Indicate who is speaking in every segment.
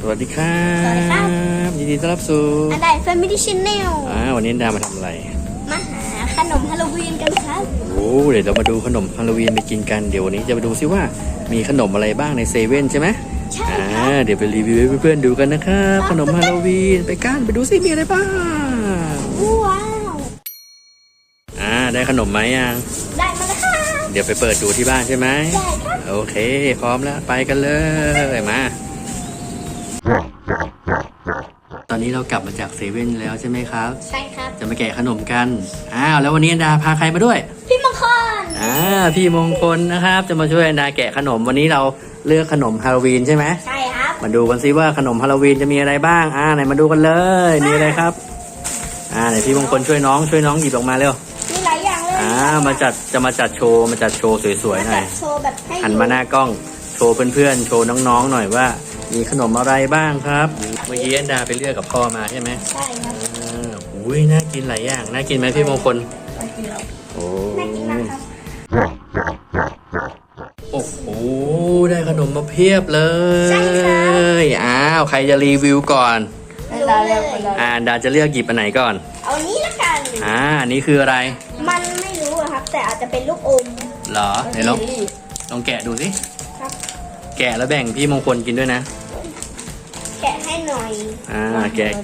Speaker 1: วัสดีครับ
Speaker 2: สวัสดีครับ
Speaker 1: ยินดีต้อนรับสู่
Speaker 2: อันใด Family Channel
Speaker 1: วันนี้ดามาทำอะไร
Speaker 2: มาหาขนมฮาโลวีนกันครับ
Speaker 1: เดี๋ยวเรามาดูขนมฮาโลวีนไปกินกันเดี๋ยววันนี้จะมาดูซิว่ามีขนมอะไรบ้างในเซเว่นใช่ไหม
Speaker 2: ใช่ครับ
Speaker 1: เดี๋ยวไปรีวิวให้เพื่อนๆดูกันนะครับขนมฮาโลวีนไปกันไปดูซิมีอะไรบ้าง
Speaker 2: ว้าว
Speaker 1: ได้ขนมไหมยัง
Speaker 2: ได้มาแล้วครับ
Speaker 1: เดี๋ยวไปเปิดดูที่บ้านใช่ไหม
Speaker 2: ได้ครับ
Speaker 1: โอเคพร้อมแล้วไปกันเลยมาตอนนี้เรากลับมาจากเซเว่นแล้วใช่ไหมครับ
Speaker 2: ใช่ครับ
Speaker 1: จะมาแกะขนมกันแล้ววันนี้อันดาพาใครมาด้วย
Speaker 2: พี่มงคล
Speaker 1: พี่มงคลนะครับจะมาช่วยอันดาแกะขนมวันนี้เราเลือกขนมฮาโลวีนใช่ไหม
Speaker 2: ใช่ครับ
Speaker 1: มาดูกันซิว่าขนมฮาโลวีนจะมีอะไรบ้างไหนมาดูกันเลยมีอะไรครับไหนพี่มงคลช่วยน้องหยิบออกมาเร็ว
Speaker 2: มีหลายอย่างเลย
Speaker 1: จะมาจัดโชว์สวยๆหน่อย
Speaker 2: โชว์แบบให้
Speaker 1: หันมาหน้ากล้องโชว์เพื่อนๆโชว์น้องๆหน่อยว่ามีขนมอะไรบ้างครับเมื่อกี้อันดาไปเลือกกับพ่อมาใช่ไหม
Speaker 2: ใช่ครับ
Speaker 1: น่ากินหลายอย่างน่ากินไหมพี่มงคล
Speaker 2: น่ากินครับ
Speaker 1: น่ากินมากครับโอ้โหได้ขนมมาเพียบเลย
Speaker 2: ใช่ครับ
Speaker 1: ใครจะรีวิวก่อน
Speaker 2: อัน
Speaker 1: ดาจะเลือกหยิบอันไหนก่อน
Speaker 2: เอานี้ละกัน
Speaker 1: อันนี้คืออะไร
Speaker 2: มันไม่รู้ครับแต่อาจจะเป็นลูกอม
Speaker 1: เหรอไหนลองแกะดูสิ
Speaker 2: ครับ
Speaker 1: แกะแล้วแบ่งพี่มงคลกินด้วยนะ
Speaker 2: แกะให้หน่อย
Speaker 1: แกะ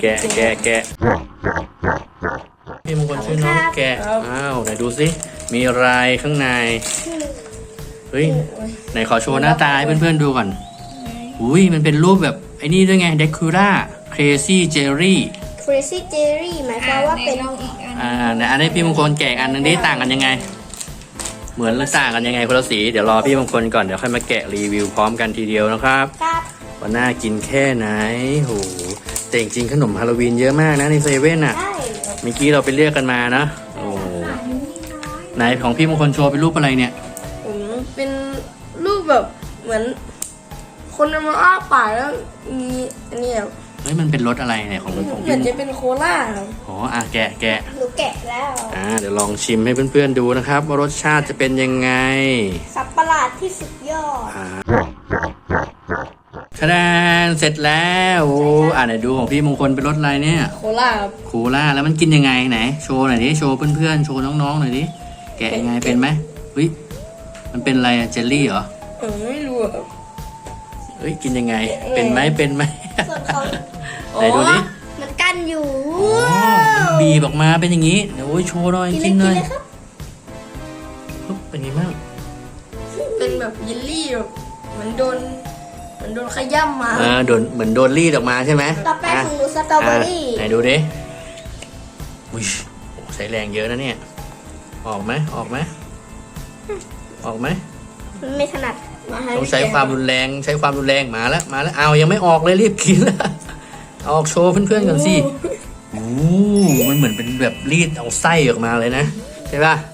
Speaker 1: พี่มงคลช่วยน้องแกะไหนดูสิมีอะไรข้างในเฮ้ยไหนขอโชว์หน้าตาให้เพื่อนๆดูก่อนมันเป็นรูปแบบไอ้นี่ด้วยไงเดคูร่าCrazy Jelly
Speaker 2: หมายความว่าเป็น
Speaker 1: อันนี้พี่มงคลแกะอันนึงได้ต่างกันยังไงเหมือนหรือต่างกันยังไงคนละสีเดี๋ยวรอพี่มงคลก่อนเดี๋ยวค่อยมาแกะรีวิวพร้อมกันทีเดียวนะครับว่าน่ากินแค่ไหนแต่จริงๆขนมฮาโลวีนเยอะมากนะในเซเว่นเมื่อกี้เราไปเลือกกันมานะไหนของพี่มงคลโชว์เป็นรูปอะไรเนี่ย
Speaker 3: ผมเป็นรูปแบบเหมือนคนมาอ้าปากแล้วมีอันนี้
Speaker 1: มันเป็นรสอะไรเนี่ยของพี่
Speaker 3: เหมือนจะเป็นโคลาครับ
Speaker 1: แกะ
Speaker 2: หนูแกะแล้ว
Speaker 1: เดี๋ยวลองชิมให้เพื่อนๆดูนะครับว่ารสชาติจะเป็นยังไง
Speaker 2: สับประหลาดที่สุดยอด
Speaker 1: คะแนนเสร็จแล้วไหนดูของพี่มงคลเป็นรสอะไรเนี่ย
Speaker 3: โคลาครับ
Speaker 1: โคลาแล้วมันกินยังไงไหนโชว์หน่อยดิโชว์เพื่อนๆโชว์น้องๆหน่อยดิแกะยังไงเป็นไหมมันเป็นอะไรเจลลี่เหรอ
Speaker 3: ไม่รู้ครับ
Speaker 1: กินยังไงเป็นไหม
Speaker 2: ส่วนเขา
Speaker 1: ไหนดูดิ
Speaker 2: มันกันอยู่
Speaker 1: บีบออกมาเป็นอย่างนี้เดี๋ยวโชว์หน่อยกินหน่อยเป็นยังไงบ้าง
Speaker 3: เป็นแบบเยลลี่แบบเหมือนโดนขย้ำมา
Speaker 1: เหมือนโดนรีดออกมาใช่ไหม
Speaker 2: ต่อไปของหนูสตรอเบอรี่
Speaker 1: ไหนดูดิใช้แรงเยอะนะเนี่ยออกไหม
Speaker 2: ไม่ถนัด
Speaker 1: ต้องใช้ความรุนแรงมาแล้วยังไม่ออกเลยรีบกินแล้วออกโชว์เพื่อนๆก่อนสิมันเหมือนเป็นแบบรีดเอาไส้ออกมาเลยนะใช่ป่ะ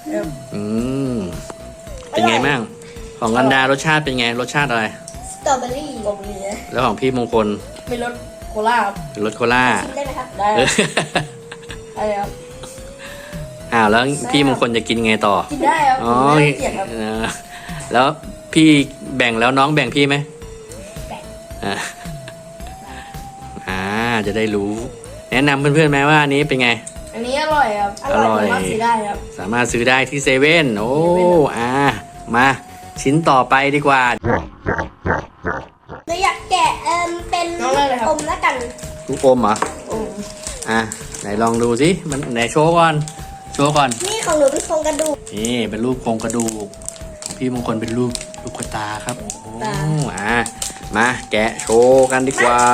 Speaker 1: เป็นไงบ้างของกันดารสชาติเป็นไงรสชาติอะไร
Speaker 2: สตรอเบอรี่
Speaker 1: แล้วของพี่มงคล
Speaker 3: เป็นรสโคลา
Speaker 1: เป็นรสโคลา
Speaker 2: ชิมได้ไหมครับ
Speaker 3: ได้ครับ
Speaker 1: แล้วพี่มงคลจะกินไงต่อ
Speaker 3: กินได้ครับไม่เกลียดครับ
Speaker 1: แล้วพี่แบ่งแล้วน้องแบ่งพี่ไหมจะได้รู้แนะนำเพื่อนๆไหมว่าอันนี้เป็นไง
Speaker 3: อันนี้อร่อยครับ
Speaker 1: อร่อยสามารถซื้อได้ที่เซเว่นมาชิ้นต่อไปดีกว่า
Speaker 2: หนูอยากแกะเป็นอมแล้วกัน
Speaker 1: ลูกอมเหรอไหนลองดูสิมันไหนโชว์ก่อน
Speaker 2: นี่ของหนูเป็นโครงกระดูก
Speaker 1: นี่เป็นรูปโครงกระดูกพี่มงคลเป็นรูปลูกตาครับมาแกะโชว์กันดีกว่า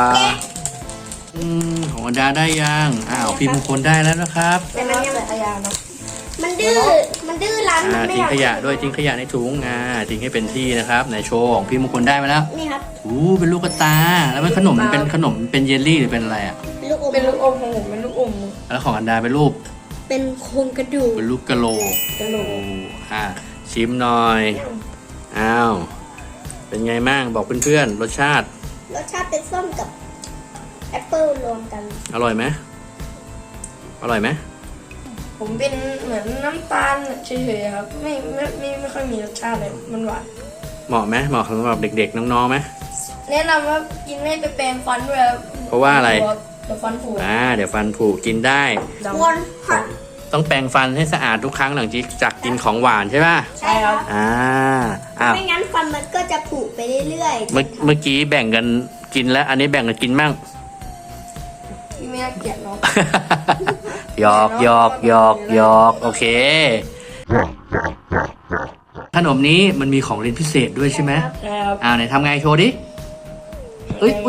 Speaker 1: ของอันดาได้ยังพี่มงคลได้แล้วนะครับ
Speaker 2: แต่มันยังมันดื้อรั้น
Speaker 1: ทิ้งขยะด้วยทิ้งขยะในถุงทิ้งให้เป็นที่นะครับในโชว์ของพี่มงคลได้มาแล้ว
Speaker 2: นี่ครับ
Speaker 1: เป็นลูกตาแล้วมันขนมมันเป็นขนมเป็นเยลลี่หรือเป็นอะไร
Speaker 3: เป็นลูกอมของผมเป็นลูกอม
Speaker 1: แล้วของอันดาเป็นรูป
Speaker 2: เป็นโครงกระดูก
Speaker 1: เป็นรูปกะโหลกชิมหน่อยเป็นไงมั่งบอกเพื่อนๆรสชาติ
Speaker 2: เป็นส้มกับแอปเปิ้ลรวมกัน
Speaker 1: อร่อยไหม
Speaker 3: ผมเป็นเหมือนน้ำตาลเฉยๆครับไม่ค่อยมีรสชาติเลยมันหวาน
Speaker 1: เหมาะไหมเหมาะสำหรับเด็กๆน้องๆไหม
Speaker 3: แนะนำว่ากินไม่ไปแปรงฟันด้วยครับ
Speaker 1: เพราะว่าอะไร
Speaker 3: เดี๋ยวฟันผุ
Speaker 1: เดี๋ยวฟันผุกินได้
Speaker 3: ด
Speaker 2: ควรผัด
Speaker 1: ต้องแปรงฟันให้สะอาดทุกครั้งหลังจากกินของหวานใช่ป่ะ
Speaker 3: ำใช่ครับ
Speaker 1: อ้าว
Speaker 2: ไม่งั้นฟันมันก็จะผุไปเรื่อย
Speaker 1: เมื่อกี้แบ่งกันกินแล้ว อันนี้แบ่งกันกินมั่ง
Speaker 3: พี่ไม่น่าเกลียดเนาะ
Speaker 1: หยอกหยอกหยอกหยอกโอเค ขนมนี้มันมีของเล่นพิเศษด้วยใช่ไหม
Speaker 3: ใช่ครับ
Speaker 1: ไหนทำไงโชว์ดิเอ้ย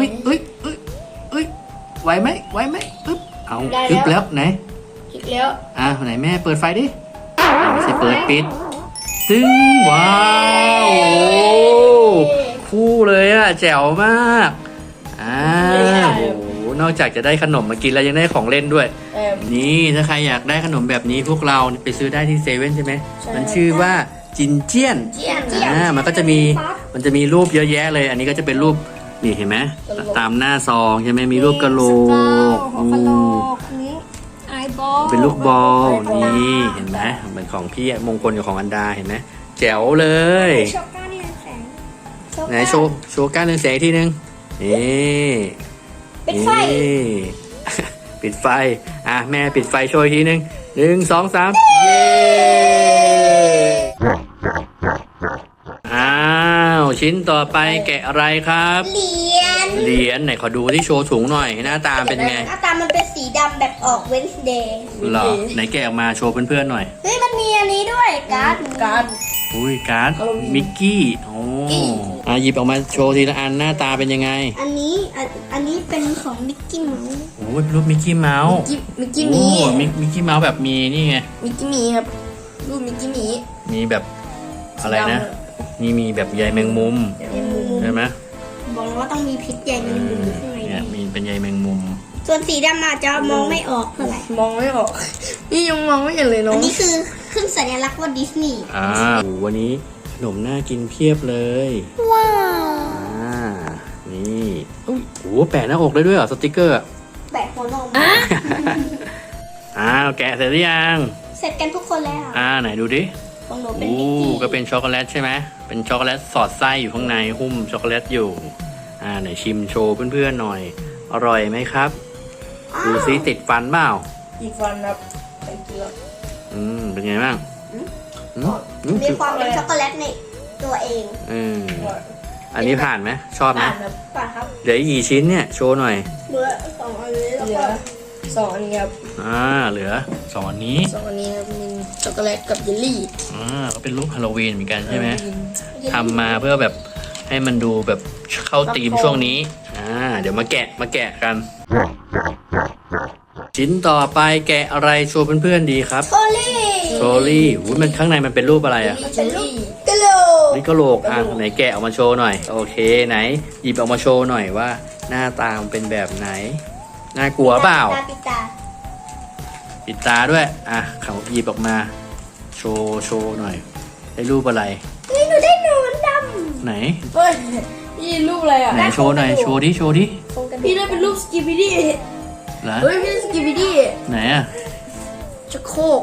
Speaker 1: ไหวไหมอึ๊บเอาอึ๊บแล้วไหน
Speaker 3: คิดแล้ว
Speaker 1: ไหนแม่เปิดไฟดิไม่ใช่เปิดปิดตึ้งว้าวโอ้คู่เลยอ่ะแจ๋วมากโอ้โหนอกจากจะได้ขนมมากินแล้วยังได้ของเล่นด้วย นี่ถ้าใครอยากได้ขนมแบบนี้พวกเราไปซื้อได้ที่เซเว่นใช่ไหม
Speaker 3: ใช่
Speaker 1: มันชื่อว่าจินเจียน
Speaker 3: เจียน
Speaker 1: มันก็จะมีรูปเยอะแยะเลย อันนี้ก็จะเป็นรูปนี่เห็นไหมตามหน้าซองใช่ไหมมีรูปกะโหลก
Speaker 2: หัวกะโหลกนี้ไอบอล
Speaker 1: เป็นลูกบอลนี่เห็นไหมเหมือนของพี่มงคลกับของอันดาเห็นไหมแจ๋วเลย
Speaker 2: โชก้าเนี่ยแสง
Speaker 1: ไหนโชว์ก้านเรืองแสงอีกทีนึงนี่
Speaker 2: เป็นไฟ
Speaker 1: นี่ ปิดไฟแม่ปิดไฟโชว์อีกทีนึง1 2 3เย้ชิ้นต่อไปแกะอะไรครับ
Speaker 2: เหรียญ
Speaker 1: ไหนขอดูที่โชว์ถุงหน่อยหน้าตาเป็นไง
Speaker 2: หน้าตามันเป็นสีดำแบบออกเวนส์เดย์
Speaker 1: เหรอไหนแกะออกมาโชว์เพื่อนๆหน่อย
Speaker 2: เฮ้ยมันมีอันนี้ด้วยการ์ด
Speaker 3: การ์ด
Speaker 1: อุ้ยการ์ด
Speaker 3: Halloween
Speaker 1: มิกกี้โอ้หยิบออกมาโชว์ทีละอันหน้าตาเป็นยังไง
Speaker 2: อันนี้เป็นของมิกกี้เมาส์
Speaker 1: โอ้ยเป็นรูปมิกกี้เมาส์
Speaker 3: มิกกี้หมี
Speaker 1: มิกกี้เมาส์แบบมีนี่ไง
Speaker 3: มิกกี้หมีครับรูปมิกกี้หมี
Speaker 1: มีแบบอะไรนะ นี่มีแบบใยแมงมุมใช่ไหม
Speaker 2: บอกเลยว่าต้องมีพิษใยแมงมุมอยู่ข้างใน
Speaker 1: เนี่ยมีเป็นใยแมงมุม
Speaker 2: ส่วนสีดำอาจจะมองไม่ออกเท่าไหร่
Speaker 3: มองไม่ออก นี่ยังมองไม่เห็นเลย
Speaker 2: อั
Speaker 3: เนาะ
Speaker 2: นนี้คือขึ้นสัญลักษณ์ว่าดิสนีย์
Speaker 1: โอ้วันนี้ขนมน่ากินเพียบเลย
Speaker 2: ว้าว
Speaker 1: นี่อุ้ยโอ้แปะหน้าอกได้ด้วยเหรอสติกเกอร์
Speaker 2: แบะหัวนม
Speaker 1: แกะเสร็จหรือยัง
Speaker 2: เสร็จกันทุกคนแล้ว
Speaker 1: ไหนดูดิ
Speaker 2: ของหนูเป็น
Speaker 1: โอ้
Speaker 2: มิกกี้
Speaker 1: ก็เป็นช็อกโกแลตใช่ไหมเป็นช็อกโกแลตสอดไส้อยู่ข้างในหุ้มช็อกโกแลตอยู่ไหนชิมโชว์เพื่อนๆหน่อย อร่อยไหมครับ ดูซิติดฟันเปล่า
Speaker 3: อีกฟันครับไปเกลือ
Speaker 1: เป็นไงบ้าง
Speaker 2: มีความเป็นช็อกโกแลตในตัวเอง
Speaker 1: อันนี้ผ่านไหมชอบไหม
Speaker 3: อ่านครับ
Speaker 2: ป่ะครับ
Speaker 1: เหลืออีกกี่ชิ้นเนี่ยโชว์หน่อย
Speaker 2: เหลือสองอันนี้แล้ว
Speaker 3: เหลื
Speaker 2: ก็
Speaker 3: อสองอันนี้ครับ
Speaker 1: เหลือสองอันนี้
Speaker 3: สองอันนี้ครับมีช็อกโกแลตกับเยลลี่
Speaker 1: ก็เป็นรูปฮาโลวีนเหมือนกันใช่ไหมทำมาเพื่อแบบให้มันดูแบบเข้าธีมช่วงนี้เดี๋ยวมาแกะกัน ชิ้นต่อไปแกะอะไรโชว์เพื่อนๆดีครับ
Speaker 2: โทลี่
Speaker 1: โทลี่มันข้างในมันเป็นรูปอะไรอ่ะ
Speaker 3: เยลลี่
Speaker 2: กะโหลก
Speaker 1: นี่ก็โหลกไหนแกะออกมาโชว์หน่อยโอเคไหนหยิบออกมาโชว์หน่อยว่า หน้าตามันเป็นแบบไหนน่ากลัวเปล่า
Speaker 2: ปิดตา
Speaker 1: ปิดตาด้วยเขาหยิบออกมาโชว์หน่อยได้รูปอะไร
Speaker 2: เฮ้ยหนูได้หนอนด
Speaker 1: ไหน
Speaker 3: เฮ้ยนี่รูปอะไรอ่ะ
Speaker 1: ไหนโชว์หน่อยโชว์ดิ
Speaker 2: ำโครงกระดู
Speaker 3: พี่
Speaker 2: ก
Speaker 3: ได้เป็นรูปสกิปปี้ดี้
Speaker 1: เหรอ
Speaker 3: เฮ้ยพี่สกิปปี้ดี้
Speaker 1: ไหนอ่ะ
Speaker 3: ชักโครก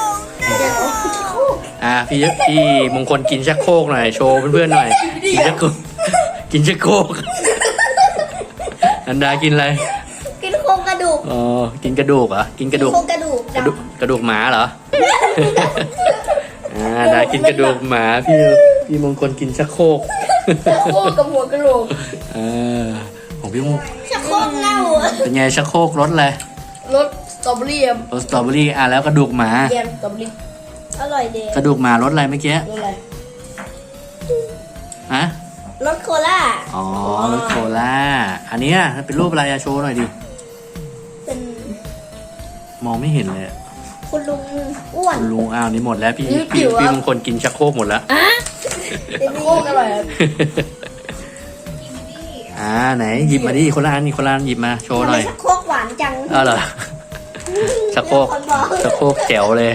Speaker 1: พี่มงคลกินชักโครกหน่อยโชว์เพื่อนๆหน่อยกินชักโครกกินชักโครกอันดากินอะไร
Speaker 2: กินโครงกระดูก
Speaker 1: กินกระดูกเหรอกินกระดูก
Speaker 2: โครงกระดูกด
Speaker 1: กระดูกหมาเหรอ ดากินกระดูกหมาพี่มงคลกินชักโครก
Speaker 3: ชักโครกกับหัวกะโหลก
Speaker 1: ของพี่มง
Speaker 2: ำชักโครกเน่า
Speaker 1: เป็นไงชักโครกรสอะไร
Speaker 3: รสสตรอเบอรี่ครับ
Speaker 1: รสสตรอเบอรี่แล้วกระดูกหมา
Speaker 3: แยมสตรอเบอรี่
Speaker 2: อร่อยเด
Speaker 1: กระดูกหมารสอะไรเมื่อกี้
Speaker 3: รสอะไร
Speaker 2: รสโคล่าร
Speaker 1: สโคล่าอันนี้เป็นรูปอะไรโชว์หน่อยดิ
Speaker 2: เป็น
Speaker 1: มองไม่เห็นเลย
Speaker 2: คุณลุงอ้วน
Speaker 1: คุณลุงนี่หมดแล้วพี่มงคลกินชักโครกหมดแล้ว
Speaker 3: ชักโครกอร่อยครับ
Speaker 1: ไหนหยิบมาดิคนละอันหยิบมาโชว์หน่อย
Speaker 2: ทำไมชักโครกหวานจัง
Speaker 1: เหรอชักโครกแจ๋วเลย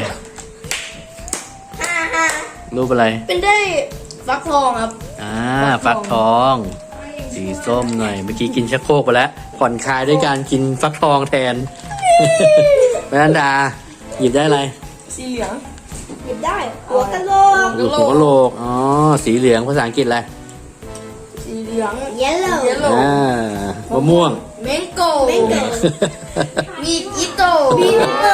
Speaker 1: รูปอะไร
Speaker 3: เป็นได้ฟักทองครับ
Speaker 1: ฟักทอง สีส้มหน่อย เมื่อกี้กินชักโครกไปแล้ว ผ่อนคลายด้วยการกินฟักทองแทน แม่นันดา หยิบได้อะไร
Speaker 3: สีเหลือง
Speaker 2: หยิบได้หัวกะโหลก
Speaker 1: หัวกะโหลกสีเหลืองภาษาอังกฤษอะไร
Speaker 3: สีเหลืลือง
Speaker 2: เยลโล่
Speaker 3: เยลโล่
Speaker 1: มะม่วง
Speaker 3: เมงโก้
Speaker 2: แมงโก้
Speaker 3: มีอิโต้
Speaker 2: บิงโก้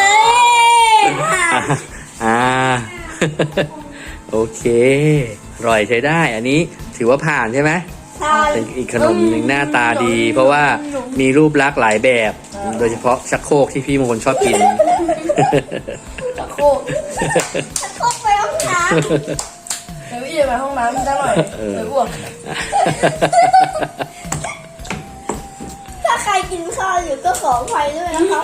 Speaker 1: อ่า โอเคอร่อยใช้ได้ อันนี้ถือว่าผ่านใช่ไหม
Speaker 2: ใช่
Speaker 1: เป็นอีกขนมหนึ่งหน้าตาดี เพราะว่ามีรูปลักษณ์หลายแบบ โดยเฉพาะชักโครกที่พี่มงคลชอบกิน
Speaker 3: ตะโคก
Speaker 2: เข้าไปห้องน้
Speaker 3: เดี๋ยวพี่จะไปห้องน้ำสักหน่อยไปอ้วก
Speaker 2: ำถ้าใครกินข้าวอยู่ก็ขออภัยด้วยนะครับ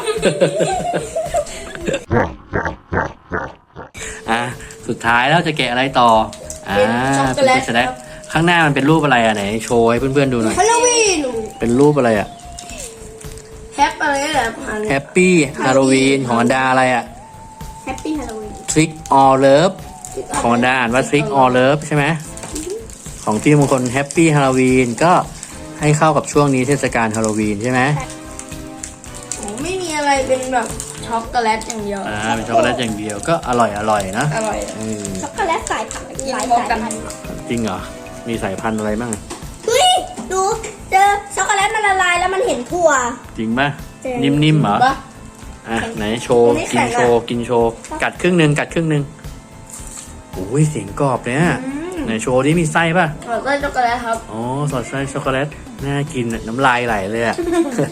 Speaker 1: อ่ะสุดท้ายแล้วจะแกะอะไรต่อเป็นพิซซ่าข้างหน้ามันเป็นรูปอะไรอ่ะไหนโชว์ให้เพื่อนๆดูหน่อย
Speaker 2: ฮาโลวีน
Speaker 1: เป็นรูปอะไรอ่ะ
Speaker 3: แฮปอะไรนี่แหละผ่าน
Speaker 1: แฮปปี้ฮาโลวีนของอันดาอะไรอ่ะ
Speaker 2: แฮปปี้ฮาโลวีน
Speaker 1: Trick or Love ของอันดาอ่านว่า Trick or Love ใช่ไหมของพี่มงคล Happy Halloween ก็ให้เข้ากับช่วงนี้เทศกาลฮาโลวีนใช่ไหม
Speaker 3: ไม่มีอะไรเป็นแบบช็อกโกแลตอย่างเดียว
Speaker 1: เป็นช็อกโกแลตอย่างเดียวก็อร่อยนะ
Speaker 3: อร่อย
Speaker 2: ช็อกโกแลตสายพันธุ์หลาย
Speaker 3: พร้อม
Speaker 2: สาย
Speaker 3: กัน
Speaker 2: พันธุ์
Speaker 1: จริงเหรอ มีสายพันธุ์อะไรบ้าง
Speaker 2: เฮ้ยดูเจอช็อกโกแลตมันละลายแล้วมันเห็นถั่ว
Speaker 1: จริงป่ะ
Speaker 2: จริง
Speaker 1: นิ่มๆเหรอ
Speaker 3: ปะ
Speaker 1: อ่ะไหนโชว์
Speaker 3: อันนี้
Speaker 1: กิน
Speaker 3: แข็ง
Speaker 1: โช
Speaker 3: อะ
Speaker 1: ว์กินโชว์กัดครึ่งหนึ่งโอ้ยเสียงกรอบเนี่ยไหนโชว์ที่มีไส้ป่ะ
Speaker 3: ขอไส้ช็อกโกแลตครับ
Speaker 1: อ๋อสอดไส้ช็อกโกแลตน่ากินอะน้ำลายไหลเลยอะ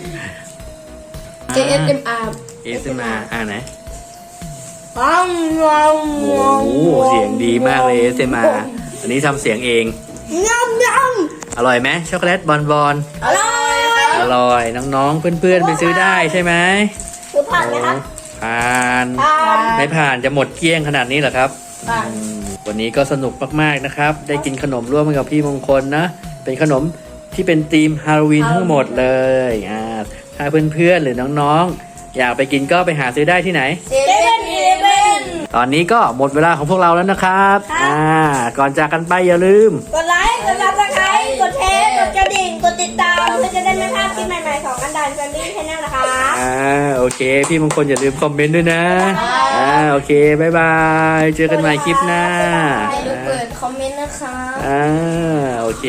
Speaker 3: ASMR
Speaker 1: ASMR ไหน
Speaker 3: ว้าวว้าว
Speaker 1: โอ้โหเสียงดีมากเลย ASMR อันนี้ทำเสียงเอง
Speaker 2: งำง
Speaker 1: อร่อยไหมช็อกโกแลตบอล
Speaker 3: อร่อยค
Speaker 1: อ
Speaker 3: รับ
Speaker 1: ร่อยน้องๆเพื่อนๆไปซื้อได้ใช่ไหม
Speaker 2: ำคือผ่านไหมครับ
Speaker 1: ผ่าน
Speaker 2: ผ่าน
Speaker 1: ไม่ผ่านจะหมดเกลี้ยงขนาดนี้เหรอครับ
Speaker 3: ผ่าน
Speaker 1: วันนี้ก็สนุกมากๆนะครับ ได้กินขนมร่วมกับพี่มงคลนะ เป็นขนมที่เป็นธีมฮาโลวีนทั้งหมดเลยถ้าเพื่อนๆหรือน้องๆ อยากไปกินก็ไปหาซื้อได้ที่ไหน
Speaker 3: เซเว่นอีเลฟเว่น
Speaker 1: ตอนนี้ก็หมดเวลาของพวกเราแล้วนะครับ ก่อนจากกันไปอย่าลืม
Speaker 2: กดไลค์ กดซับสไครต์กดแชร์ กดกระดิ่ง กดติดตามเพื่อจะได้ไม่พลาดคลิปใหม่ๆของอันดานแฟมิลี่ชาแนลนะคะ
Speaker 1: โอเค พี่มงคลอย่าลืมคอมเมนต์ด้วยนะ โอเค บ๊ายบาย เจอกันใหม่คลิปหน้า
Speaker 3: ให้ดูเปิดคอมเมนต์นะคะ
Speaker 1: โอเค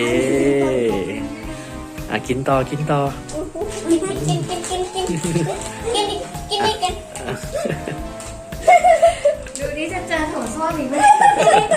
Speaker 1: กินต่อ
Speaker 2: กินกินกิน
Speaker 3: ดูนี่จะเจอถั่วส้วมอีกไหม